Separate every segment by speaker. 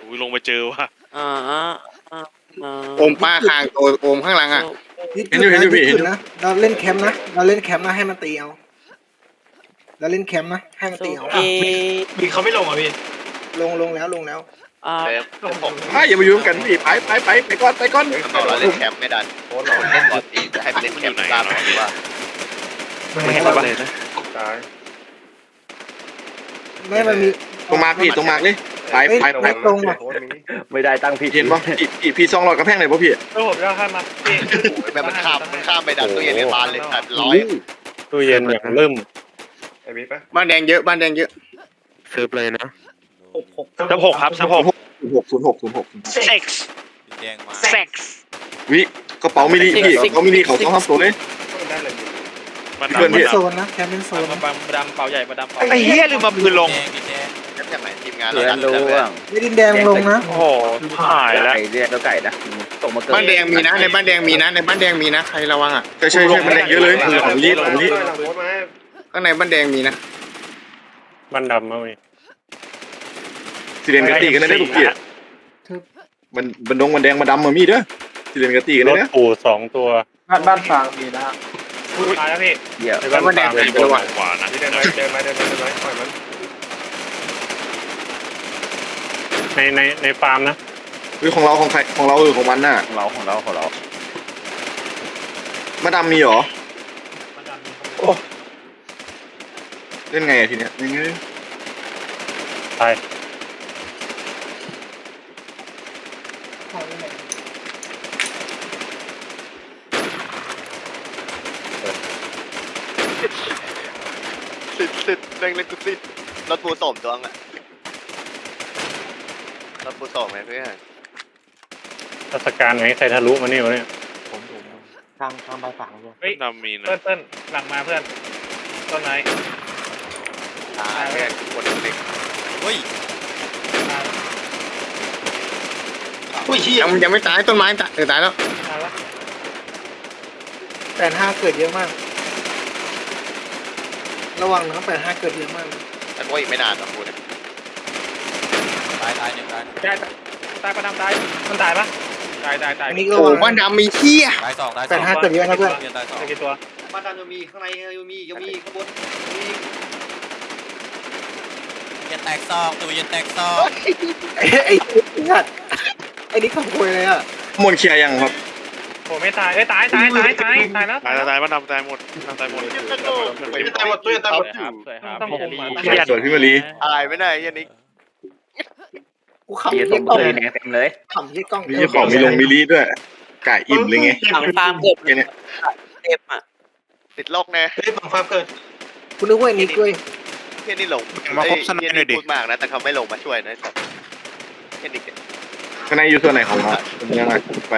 Speaker 1: อุ้ยลงมาเจอว่ะ
Speaker 2: อ่า
Speaker 3: โอมป้าคางตัวโอมข้างหลังอ่ะ
Speaker 4: เห็นอยู่พี่เห็นอยู่นะเราเล่นแคมป์นะเราเล่นแคมป์นะให้มันตีเอาเราเล่นแคมป์นะให้มันตีเอา
Speaker 5: มีเขาไม่ลงอ่ะพี่
Speaker 4: ลงแล้ว
Speaker 6: อย่ามายุ่งกันพี่ไปก่อน
Speaker 7: เราเล่นแคมป์ไม่ดันโค้ชเราเล่นบอลตีจะให้ไปเล่นแคมป์ตามหรือว่า
Speaker 2: ไม่ให้เราเลยนะ
Speaker 4: ไม่มันมี
Speaker 6: ตรงมาพี่ตรงมาเลยไป
Speaker 4: ไม่ตรงอ่ะ
Speaker 2: ไม่ได้ตั้งผิด
Speaker 6: เห็นป่ะพี่ซองหลอดกระแพงไหนป่ะพี่
Speaker 5: ผมจะให้มาพี่
Speaker 7: แบบมันข้ามไปดันตู้เย็นในบ้านเลยตัดร้อย
Speaker 1: ตู้เย็นอย่างเริ่ม
Speaker 3: บ้านแดงเยอะบ้านแดงเยอะ
Speaker 1: เซิร์ฟเลยนะ
Speaker 5: ซับหกครับซับหก
Speaker 6: 06
Speaker 5: เซ็กซ์
Speaker 7: แดงมา
Speaker 5: เซ็กซ์
Speaker 6: วิกระเป๋ามินิพี่กระเป๋ามินิเขาต้องทำตัวเลย
Speaker 1: มัน
Speaker 6: เพื่อนพี่
Speaker 4: โซนนะแคมป์เป็นโซนนะ
Speaker 2: ดำเป่าใหญ่มาดำเป่า
Speaker 5: ไอ้เหี้ยลืมมาปืนลง
Speaker 7: แคมป์จากไหนทีมงาน
Speaker 2: เรีย
Speaker 7: เรา
Speaker 2: น
Speaker 7: ดัน
Speaker 2: รู้
Speaker 7: เลย
Speaker 2: ว่า
Speaker 4: ไม่ดินแดงลงนะ
Speaker 5: โอ้โหหายแล้ว
Speaker 2: ไก่เรียนแล้วไก่นะตกมาเกิด
Speaker 3: บ้านแดงมีนะในบ้านแดงมีนะในบ้านแดงมีนะใครระวังอ่ะ
Speaker 6: ใช่มันแรงเยอะเลยของลิ
Speaker 3: ข้างในบ้านแดงมีนะ
Speaker 1: มันดำมั้ย
Speaker 6: สิเรียนกะตีกันได้ทุกเกียร์มันดงมันแดงมาดำมามีเด้อสิเรียนกะตีกัน
Speaker 1: ร
Speaker 6: ได้
Speaker 1: ถ
Speaker 6: เด้อ
Speaker 1: ปู2 ตัว
Speaker 5: บ้านฟางมีนะตายแล้วพี่
Speaker 2: เดี๋ยว
Speaker 1: ในบ้านแดงเป็นตัวขวานะ
Speaker 5: เดินมาปล่อยมัน
Speaker 1: ในฟาร์มนะ
Speaker 6: ของเราของใครของเราของมันน่ะ
Speaker 2: ของเรา
Speaker 6: มาดำมีเหรอเล่นไงทีเนี้ยยังไง
Speaker 1: ตาย
Speaker 7: สิเล่นกูสิรถปูส่งตัวอ่ะรถปูส่งไหมเพื่อน
Speaker 1: ราชการไหนใครทะลุมานี่วะเนี่ย
Speaker 2: ทางใบฝังเลย
Speaker 5: เฮ้ย
Speaker 1: ดำมีนะ
Speaker 5: เปิ้ลหลังมาเพื่อนต้นไม้
Speaker 7: ตายแค่คนเล็ก
Speaker 5: อุ้ยเหี้ย
Speaker 3: ยังไม่ตายต้นไม้ตายตายแล้ว
Speaker 5: ตายแล้ว
Speaker 4: 85เกิดเยอะมาก ระวังนะ85เกิดเยอะมาก
Speaker 7: แต่ก็อีกไม่นานนะคุณตายหนึ่งตาย
Speaker 5: ตายประดามตายมันตายปะตาย
Speaker 4: อันนี้ก็
Speaker 3: โอ้
Speaker 4: ระวัง
Speaker 3: บ้านดำมีเหี้ย
Speaker 7: ตายสอง
Speaker 4: 85เกิดเยอะนะเพื่อน
Speaker 5: ตายกี่ตัว
Speaker 7: บ้านดำยังมีข้างในยังมีข้างบนมียันแตกซองตัวยันแตกซอง
Speaker 4: ไอ้สัตว์ไอ้นี่ขโมยเลยอ่ะ
Speaker 6: มนเคลียร์ยังครับ
Speaker 5: โอ้ไม่ตายเอ้ยตายแล้ว
Speaker 1: ตายมันดำตายหมดตายหมด
Speaker 5: ตัวตายหมดต้องผม
Speaker 6: สวยพี่มารี
Speaker 7: ตายไม่ได้ยันนี้
Speaker 4: กูขำ
Speaker 2: เดี๋ยว
Speaker 4: ยี่
Speaker 2: ต
Speaker 4: กล้อง
Speaker 2: เลยแดงเต็มเลย
Speaker 4: ขำยี่กล้อง
Speaker 6: มีของมีลงมิลิด้วยไก่อิ่มเลยไง
Speaker 2: ฝังฟาร์มเกิด
Speaker 6: แค่เนี้ย
Speaker 2: เต็มอ่ะ
Speaker 7: ติดโรคแน่
Speaker 5: เฮ้ยฝั่งฟ้าเกิด
Speaker 4: คุณนึกว่าไอ้นี่กล้วย
Speaker 7: เฮียนี่ลงพูดมากนะแต่เขาไม่ลงมาช่วยนะเฮียนี่
Speaker 6: ข้างในอยู่ส่วนไหนของเรายังไงไป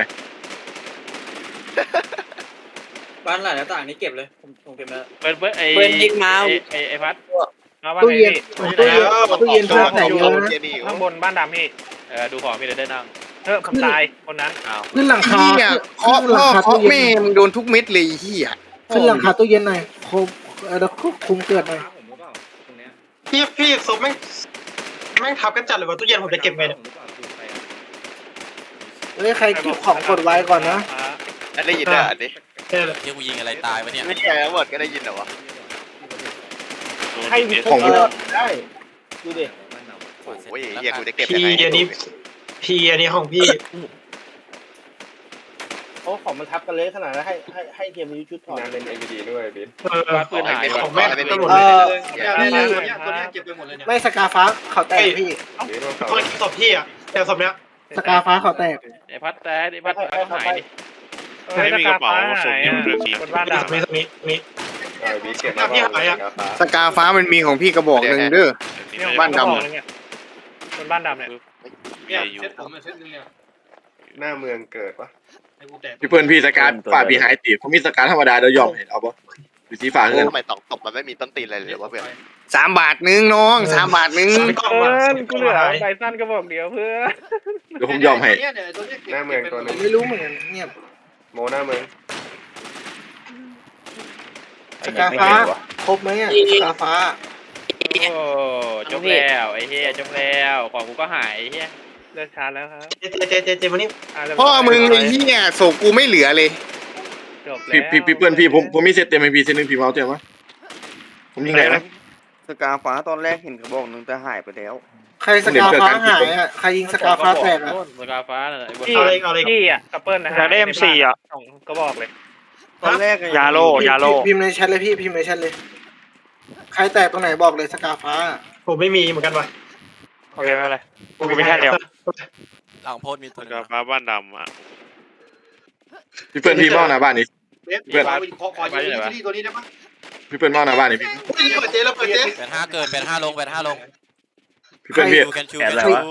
Speaker 8: บ้านหลายหน้าต่างนี้เก็บเลยผมเก็บแล้ว
Speaker 5: เปิ้ลไอ้
Speaker 2: เพื่อนยิงมา
Speaker 5: ไอ้พัด
Speaker 4: ตู้เย็นตู้เย็นเพื่อนใส่เยอะนะ
Speaker 5: ข้างบนบ้านดำพี่ดูของพี่เลยได้นั่งผมตายคนนั้น
Speaker 4: ขึ้นหลังคา
Speaker 3: เหี้ยเคาะพ่อเคาะแม่มึงโดนทุกเม็ดเลยเหี้ย
Speaker 4: ขึ้นหลังคาตู้เย็นหน่อยคุมเกิดหน่อย
Speaker 8: ผมก็เปล่าตรงเนี้ย
Speaker 5: พี่ศพแม่งทับกันจัดเลยว่าตู้เย็นผมจะเก็บไงเนี่ย
Speaker 4: เฮ้ยใครเก็บของกดไว้ก่อนนะ
Speaker 7: ได้ยินอ่ะอันนี้
Speaker 5: ใช่เลย
Speaker 7: เฮียกูยิงอะไรตายวะเนี่ยไม่ใช่ทั้งหมดก็ได้ยินเหรอวะ
Speaker 5: ให้
Speaker 6: ของ
Speaker 4: ได้ดูดิ
Speaker 7: โอ้ยเฮียกูจะเก็บยังไง
Speaker 5: อันนี้ของพี่
Speaker 8: โอ้ของมันทับกันเลยขนาดนั้นให้เทียมมีชุดถอด
Speaker 5: ปืนหายของแม่ตำรวจ
Speaker 8: เก็บไปหมดเลยเนี่ย
Speaker 4: ไม่สกาฟ้าเขาแตกพี่
Speaker 5: ตัวศพพี่อ่ะแต่ศพเนี้ย
Speaker 4: สกาฟ้าเขาแตก
Speaker 2: ไอ้พัดแต่ไอ้พัดหายดิ
Speaker 1: ไม่มีกระเป๋าส่งอยู่เรื่องนี้
Speaker 5: คนบ้านดำนี่พี่หายอ่ะ
Speaker 3: สกาฟ้ามันมีของพี่กระบอกหนึ่งเด้อ บ้านดำ
Speaker 5: คนบ้านดำเนี่ย
Speaker 1: อยู่
Speaker 8: เซ็ตผมเซ็ตนึงเนี่ย
Speaker 5: หน้าเมืองเกิดปะ
Speaker 8: ให้กูแตก
Speaker 6: พี่เพื่อนพี่สการฝ่าพี่หายตีเขามีสการธรรมดาเดี๋ยวยอมเห็นเอาปะดูสีฝ่าเงิน
Speaker 7: ทำไมตอกตบมันไม่มีต้นตีนอะไรเลยวะเพื่อน
Speaker 3: 3 บาทนึงน้อง3 บาทนึง
Speaker 5: กูเหลือไดสั้นก็บอกเดียวเพื่อ
Speaker 6: เดี๋ยวผมยอมให้
Speaker 8: เนี่ยตัวนี้
Speaker 5: หน้าเมืองตัว
Speaker 4: ผ
Speaker 5: นึ
Speaker 4: ม
Speaker 5: ง
Speaker 4: ไม่รู้เหมือนกันเงียบ
Speaker 5: โมหน้าเมือง
Speaker 4: สกาฟ้าครบไหมอ่ะสกาฟ้า
Speaker 2: โอ้จบแล้วไอ้เฮียจบแล้วของกูก็หายไอ้เฮีย
Speaker 5: เลิกชาร์จแล้วครับ
Speaker 8: เจมานี่
Speaker 3: พ่อมึงไอ้เหี้ยโศกกูไม่เหลือเลย
Speaker 5: จบแล้ว
Speaker 6: พี่เปิ้ลพี่ผมมีเซตเต็มไอพีเซตหนึ่งพี่เอาเต็มวะผมยิงไหนนะ
Speaker 2: สกาฟ้าตอนแรกเห็นกระบอกหนึ่งแต่หายไปแล้ว
Speaker 4: ใครสกาฟ้าหายอ่ะใครยิงสกาฟ้าแตกอ่ะ
Speaker 5: สกาฟ้าน่ะไอ้บน
Speaker 8: เอาเลย
Speaker 5: พี่อ่ะกับเปิ้ลนะฮะ
Speaker 9: อยากได้ M4 อ่ะ
Speaker 5: สองก็บอกเลย
Speaker 2: ตอนแรก
Speaker 9: ยาโลยาโล
Speaker 4: พิมพ์ในแชทเลยพี่พิมพ์ในแชทเลย ใครแตกตรงไหนบอกเลยสกาฟ้า
Speaker 8: ผมไม่มีเหมือนกันวะ
Speaker 9: โอเคไม่เป็นไรกูมีแค่เดียว
Speaker 10: หลังโพสต์มีตัว
Speaker 5: กาฟ้าบ้านดำอ่ะ
Speaker 6: พี่เปิ้ลพี่เมาหน้าบ้านนี่
Speaker 8: ขอยืมที่ตัวนี้ได้ปะ
Speaker 6: พี่เปิ้ลเมาหน้าบ้านนี่พี่
Speaker 8: เปิดเจแล้วเปิดเจ
Speaker 10: 85เกิน85ลง85ลง
Speaker 6: พี่เปิ้ลพี่
Speaker 10: ดูกันชู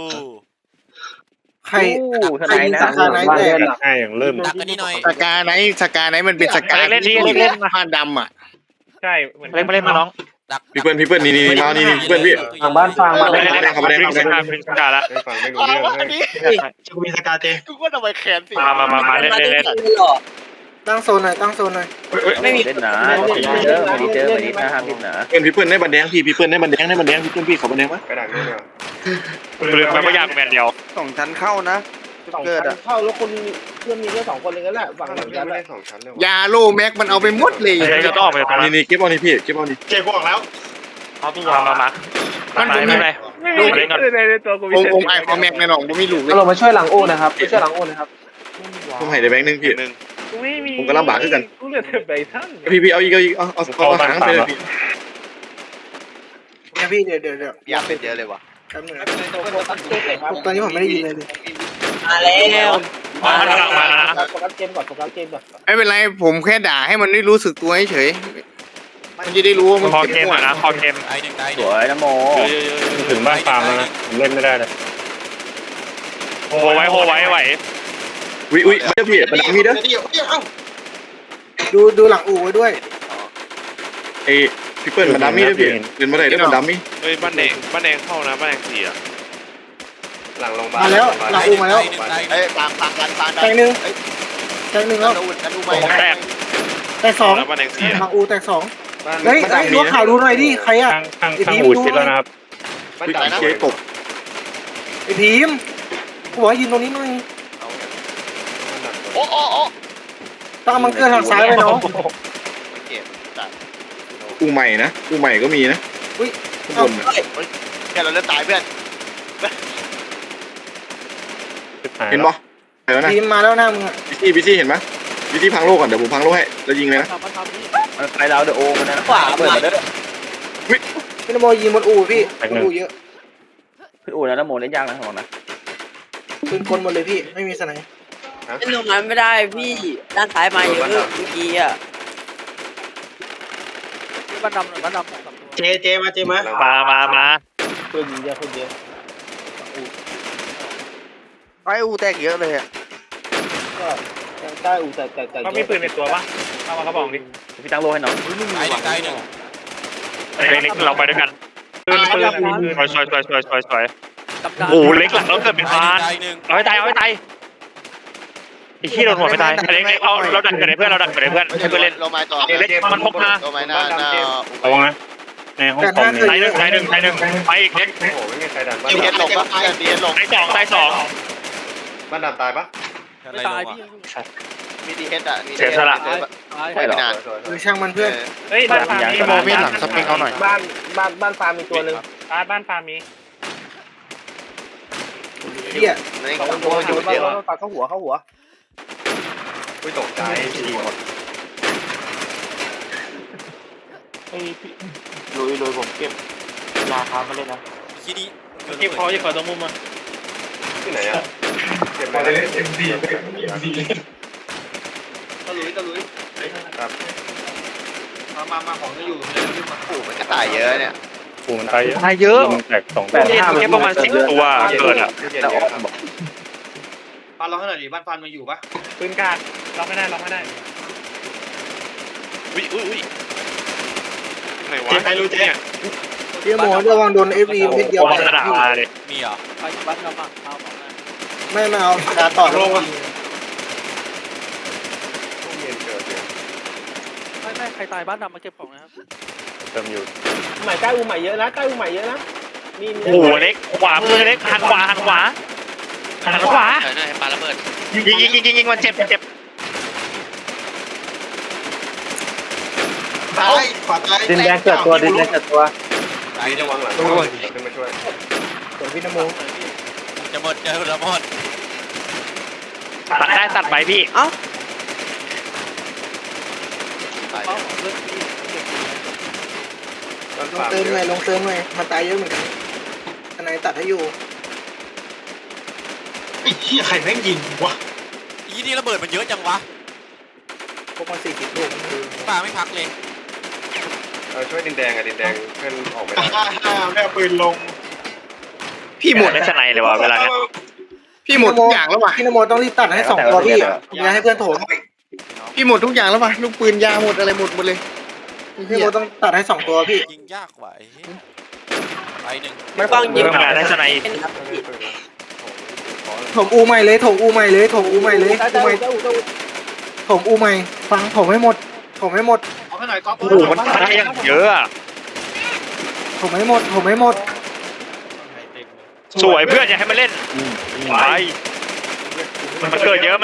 Speaker 4: ใครยิงสกาไหนแตก
Speaker 1: ให้อย่างเริ่ม
Speaker 10: ดักกันนี่หน่อย
Speaker 3: สกาไหนมันเป็นสกา
Speaker 9: เล่นนี่
Speaker 3: ที่
Speaker 9: เล่นมา
Speaker 3: ผ้าดำอ่ะ
Speaker 5: ใช่เหมือน
Speaker 9: เล่นมาเล่นมาน้อง
Speaker 10: ดัก
Speaker 6: พี่เปิ้ลนี่เมานี่พี่เปิ้ลพี่
Speaker 2: ทางบ้านฟังมา
Speaker 6: เล่นเขาไม่ได้
Speaker 9: พิง
Speaker 6: เขาไม่
Speaker 9: ส
Speaker 6: ได้
Speaker 9: กาพิงสกาละ
Speaker 1: ได้ฟังไม่รู้เรื่องเลย
Speaker 8: กูมีสกาเจ
Speaker 7: กูก็ทำไมแขนสิ
Speaker 9: มาเล่น
Speaker 4: ตั้งโซนหน่อยตั้งโซนหน่อย
Speaker 2: ไม่มีเล่นนะเจอวันนี้เจอวันนี้นะห้ามผิดนะ
Speaker 6: พี่เปิ้ลได้บันแดงพี่เปิ้ลได้บันแดงพี่เปิ้ลพี่เขาบันแดงปะ
Speaker 1: กระดาษนี่เนี่ย
Speaker 9: เรือมันไม่ยากแมนเดียว
Speaker 2: 2 ชั้นเข้านะ
Speaker 8: สอง
Speaker 2: เกิด
Speaker 8: ชั้
Speaker 2: อ่ะ
Speaker 8: นเข้าแล้วคนเพื่อนมีแค่2 คนเลยกันแหละฝั่งหนึ่ง
Speaker 1: ยั
Speaker 8: ชั้
Speaker 1: ง
Speaker 8: น
Speaker 1: ไม่
Speaker 8: แห
Speaker 1: ได้
Speaker 8: ละ
Speaker 1: 2 ชั้นเลย
Speaker 3: ยาโลแม็กมันเอาไปหมดเลย
Speaker 9: เดี๋ยวจะต้องออกไปตรงนั้น
Speaker 6: นี่เก็บเอานี่พี่เก็บเอานี่
Speaker 8: เจกูออกแล้ว
Speaker 9: มาไม่เป็นไรดูมาเล่นก่อน
Speaker 5: ในตัวกู
Speaker 3: องค์ไอคอแม็กในหนองผมไม่รู้เลย
Speaker 2: เรามาช่วยหลังโอ้นะครับช่วยหลังโอ้นะครับ
Speaker 6: ผมให้ได้แบงค์นึงพี่
Speaker 5: กูไม่มี
Speaker 6: ผมก็ลำบากขึ้นกัน
Speaker 5: กูเหลือแต่ใบท่าน
Speaker 6: พี่เอาอีกเอาหางไปเลยพี่
Speaker 4: เนี่ยพี่เดี๋ยว
Speaker 7: อยากเป็นเยอะเลยว่ะ
Speaker 4: แป๊บนึงตอนนี้ผมไม่ได้ยินเลยดิ
Speaker 2: มาแล้ว
Speaker 9: มาหลังมานะ
Speaker 8: โฟกัสเกมก่อนโฟกัสเกมก่อน
Speaker 3: ไม่เป็นไรผมแค่ด่าให้มันได้รู้สึกตัวเฉยมันจะได้รู้ว่ามัน
Speaker 9: คอ
Speaker 3: เก็บ
Speaker 9: เกม
Speaker 3: หัว
Speaker 9: นะคอเกม
Speaker 10: ไอ้หนึ่งได้
Speaker 2: สวยนะโม
Speaker 1: ถึงบ้านฟาร์มแล้วนะผมเล่นไม่ได้เลย
Speaker 9: โหไว้ไหว
Speaker 6: อุ้ยเดี๋ยวพี่บันดังมีเด้อ
Speaker 4: ดูหลังอู่ไว้ด้วย
Speaker 6: ไอพี่เปิ้ลบันดังมีเด้อพี่เดินมาได้เด้อบันดังมี
Speaker 5: เฮ้ยบ้านแดงเข้านะบ้านแดง4อ่ะ
Speaker 1: หลังโรงพยาบาล
Speaker 4: มาแล้วหลังอู่มาแล้ว
Speaker 7: เอ้ยฟังกัน
Speaker 4: แตกหนึ่งแล้ว
Speaker 7: ดูไป
Speaker 4: แตกสอง
Speaker 5: แล้วบ้านแดง4
Speaker 4: หลังอู่แตกสอง
Speaker 1: บ้าน
Speaker 4: เฮ้ยดูข่าวดูหน่อยดิใครอ่ะ
Speaker 1: ข้างอู่ชิดแล้วนะครับ
Speaker 6: พี่เจ๊ตก
Speaker 4: ไอพีมกูบอกให้ยืนตรงนี้หน่อย
Speaker 7: โอ้
Speaker 4: ต้องเอามันเกินทางซ้ายไปน้อง
Speaker 7: เก็บจัด
Speaker 6: กูใหม่นะกูใหม่ก็มีนะ
Speaker 4: อุ้ย
Speaker 6: ข้างบน
Speaker 7: แค่เราเริ่มตายเพื่อน
Speaker 6: เห็นปะเห็นแล้วนะ
Speaker 4: พีมมาแล้วหน้ามึงอ่ะ
Speaker 6: พี่ซี่เห็นไหมพี่ซี่พังโลกก่อนเดี๋ยวผมพังโลกให้แล้วยิงเลยนะ
Speaker 2: ไปแล้วเดอะโอมันนะขวาเปิดมาเด้อ
Speaker 4: พี่นโมยิงบนอู่พี่บนอู่เยอะ
Speaker 2: พี่อู๋นะโมเล่นยากนะของนะ
Speaker 4: ปืนกลหมดเลยพี่ไม่มีสไนป์
Speaker 11: เล่นตรงนั้นไม่ได้พี่ด้านซ้ายมาเยอะเมื่อกี้อ่ะบ้านดำ
Speaker 8: เจมา
Speaker 9: มา
Speaker 8: เพื่อนยิงเยอะคนเดียว
Speaker 2: ไอ้อูแตกเยอะเลยอ่ะ
Speaker 8: ก็ใต้อูแต่
Speaker 5: เขามีปืนในตัวปะเอามาเขาบอกดิ
Speaker 2: พี่ตั้งโลให้น้อง
Speaker 10: ไอ้หนึ่งได้หนึ่ง
Speaker 9: เล็กเราไปด้วยกันปืนสวยโอ้เล็กหลังเราเกิดเป็นพาน
Speaker 10: ได้หนึ่ง
Speaker 9: เอาให้ตายไอ้ขี้โดนหัวไม่ตายเล็กเอาเราดักกันในเพื่อนให้เพื่อนเล่น
Speaker 7: ลงมาต่อ
Speaker 9: เล็กมันพกมา
Speaker 7: ลงมาหน้า
Speaker 1: ระวังนะในห้องคอม
Speaker 9: ตายหนึ่งไปอีกเล็ก
Speaker 1: โอ้โหไม่มีใครดันบ้าน
Speaker 7: ดีเฮดลงปะดีเฮดลง
Speaker 9: ตายสอง
Speaker 1: บ้านดำตายปะ
Speaker 10: ไม่ตายพี่
Speaker 7: มีดีเฮดอ่ะ
Speaker 2: ไม่หรอ
Speaker 4: ช่างมันเพื่อน
Speaker 5: เฮ้ยบ้านฟาร์มมี
Speaker 8: บ้านฟาร์มมีตัวนึง
Speaker 5: บ้านฟาร์มมี
Speaker 4: เหี้ย
Speaker 7: นี่
Speaker 8: 2 ตัวอยู่เดียวปาเข้าหัว
Speaker 1: ไม่ตกใจทีหมด
Speaker 2: ลุยผมเก็บราคามาเลยนะ
Speaker 10: ขี้ดี
Speaker 5: เก็บคอจะขอตรงมุมมา
Speaker 1: ที่ไหนอ่ะเก็บไปเลยเอ็มดี
Speaker 8: ตะลุย
Speaker 1: ครับ
Speaker 8: มาของจะอยู่
Speaker 7: โอ้มันกระต่ายเยอะเนี่ย
Speaker 1: ปูมันตายเยอะ
Speaker 9: เยอะ
Speaker 1: มันแตก2
Speaker 9: เก็บประมาณ10ตัวเกินอ่ะ
Speaker 8: บ้านเราขนาดนี้บ้านฟาร์มมาอยู่ปะ
Speaker 5: ปืนกาดล็อกไม่ได้อุ้ยไหนวะ
Speaker 8: ใครรู้เจ๊
Speaker 4: พี่โมระวังโดนเอฟวีเม็ดเดียว
Speaker 9: วางกระดาษมาเลย
Speaker 10: มีเหรอ
Speaker 11: ไปบ้านดำอ่ะเอา
Speaker 4: ไม่เอาดาต่อลง
Speaker 11: ไม่ใครตายบ้านดำมาเก็บของนะครับ
Speaker 1: เติมอยู่
Speaker 8: ใหม่ใกล้อูใหม่เยอะนะมี
Speaker 9: โอ้โหเล็กขวามือเล็กหันขวาหันขวา
Speaker 7: ปาระเบิด
Speaker 9: ยิงมันเจ็บ
Speaker 8: ตายขวาตาย
Speaker 2: ดินแดงเกิดตัวดินแดงเกิดตัว
Speaker 10: ตายหนึ่ง
Speaker 6: ขึ้นมาช่วย
Speaker 4: ส่วนพี่นโม
Speaker 10: จะหมดจะหมด
Speaker 9: ตัดได้ตัดไปพี่
Speaker 11: เอ้า
Speaker 7: ตาย
Speaker 4: ลงเติมหน่อยลงเติมหน่อยมันตายเยอะเหมือนกันทนายตัดให้อยู่
Speaker 8: ไอ้เหี้ยใครแม่งยิงวะ
Speaker 10: อีนี่ระเบิดมันเยอะจังวะ
Speaker 4: พวกมัน40 ลูก
Speaker 10: ป้าไม่พักเลย
Speaker 6: ช่วยดินแดงดินแดงเพื่อนออกไม่ได้
Speaker 8: ไม่เอาปืนลง
Speaker 3: พี่หมด
Speaker 9: ได้สไนเลยวะเวลาเนี้ย
Speaker 3: พี่หมดทุกอย่างแล้วว่ะ
Speaker 4: พี่นโมต้องรีบตัดให้2 ตัวพี่อย่าให้เพื่อนโถม
Speaker 3: พี่หมดทุกอย่างแล้วว่ะลูกปืนยาหมดอะไรหมดเลย
Speaker 4: พี่นโมต้องตัดให้2 ตัวพี่
Speaker 10: ยิงยากกว่าไอ้เหี้ยไปหนึ่ง
Speaker 11: มันฟังยิง
Speaker 9: เพิ่มงานได้สไน
Speaker 4: ถมอูใหม่เลยถมอูใหม่เลยถมอูใหม่เลยอูใหม่ถมอูใหม่ฟังถมให้หมดถมให้หมด
Speaker 8: เอาให้หน่อยก๊อฟ
Speaker 9: โอ้โหมันได้ยังเยอะอะ
Speaker 4: ถมให้หมดถมให้หมด
Speaker 9: สวยเพื่อนอย่าให้มันเล่นไปมันเกิดเยอะ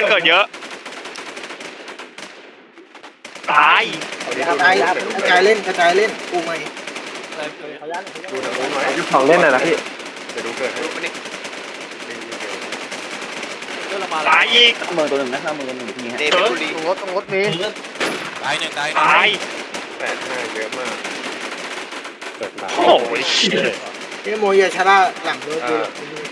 Speaker 9: ตาย
Speaker 4: กระจายเล่นกระจายเล่นอูใหม่
Speaker 6: ดูทางนู้นหน่อย
Speaker 2: ของเล่นน่ะนะพี่
Speaker 6: เดี๋ยวดูเกิดให้
Speaker 9: ตายอีก
Speaker 2: มือตัวหนึ่งนะมือตัวหนึ่งทีฮะ
Speaker 7: เดวิดบุรี
Speaker 4: ตรงรถมี
Speaker 10: ตายหนึ่ง
Speaker 9: ตาย
Speaker 6: 85เยอะมาก
Speaker 9: โอ้โห
Speaker 4: พี่นโมอย่าชะล่าหลังรถดู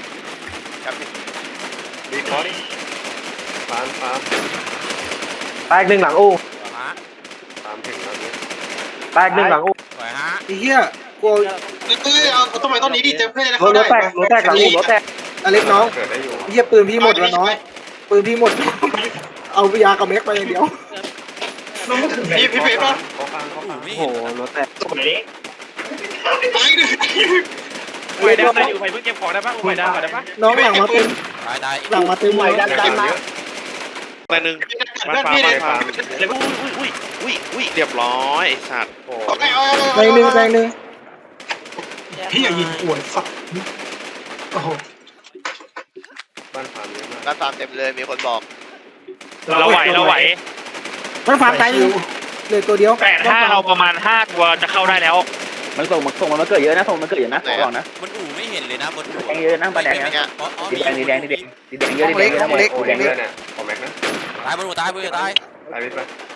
Speaker 6: ดีคอร์ดิฟาร์ม
Speaker 2: แตกหนึ่งหลังอู้
Speaker 10: ฮะ
Speaker 6: ตามถึงตอนนี้
Speaker 2: แตกหนึ่งหลังอู้
Speaker 10: สวยฮะ
Speaker 4: ไอ้เหี้ยกู
Speaker 8: เอาต้นไม้ต้นนี้ดิเจมเพื่อนจะ
Speaker 2: ร
Speaker 8: เข้า
Speaker 2: ถ
Speaker 8: ได้
Speaker 2: แตกรถแตกหลังอู้รถแตก
Speaker 4: อเล็กน้อง
Speaker 6: เกิดได้อยู่
Speaker 4: ไอ้เหี้ยปืนพี่หมดแล้วน้องปืนพี่หมด เอายากับเม็กไปอย่างเดียว
Speaker 8: พี่เป๊ะป่ะ
Speaker 6: เขาฟัง
Speaker 10: ไม่
Speaker 2: โอ้
Speaker 10: เห็น
Speaker 2: โหรถแตก
Speaker 8: ตายหนึ่ง
Speaker 5: ไปได้ไปอยู่ไปเพิ่งเก็บของได้ปะไปได้ก่อนได้ปะ
Speaker 4: น้องหลังมาเต็ม
Speaker 10: ตาย
Speaker 4: หลังมาเต็มเลย
Speaker 6: ดันมา
Speaker 7: ไปหนึ่ง
Speaker 8: เพื่อนพี่เลย
Speaker 6: ฟาร์ม
Speaker 7: เลยอุ้ยเรียบร้อยไอ้สัตว์
Speaker 6: โอ้
Speaker 4: แรงหนึ่งแรงหนึ่ง
Speaker 8: พี่อย่ายิงป่วนสักโอ้โห
Speaker 6: บ้านฟาร์มเยอะมาก
Speaker 7: ร้านฟาร์มเต็มเลยมีคนบอก
Speaker 9: เราไหว
Speaker 4: มันฟาร์มตายอยู่เหลือตัวเดียว
Speaker 9: 85เราประมาณ5ตัวจะเข้าได้แล้ว
Speaker 2: มันส่งมันเกิดเยอะนะส่งมันเกิดเยอะนะขอบอกนะ
Speaker 10: มันอู่ไม่เห็นเลยนะบนอู่
Speaker 2: แดงเยอะนะปลาแดงนะ
Speaker 10: อ๋อ
Speaker 2: ดินแดงดินแดงดินแดงดินแดงเยอะดินแดงเยอะ
Speaker 6: โอ้แดงเยอะเนี่ยขอแม็กนะ
Speaker 10: ตายบนอู่ตาย
Speaker 6: ตายไป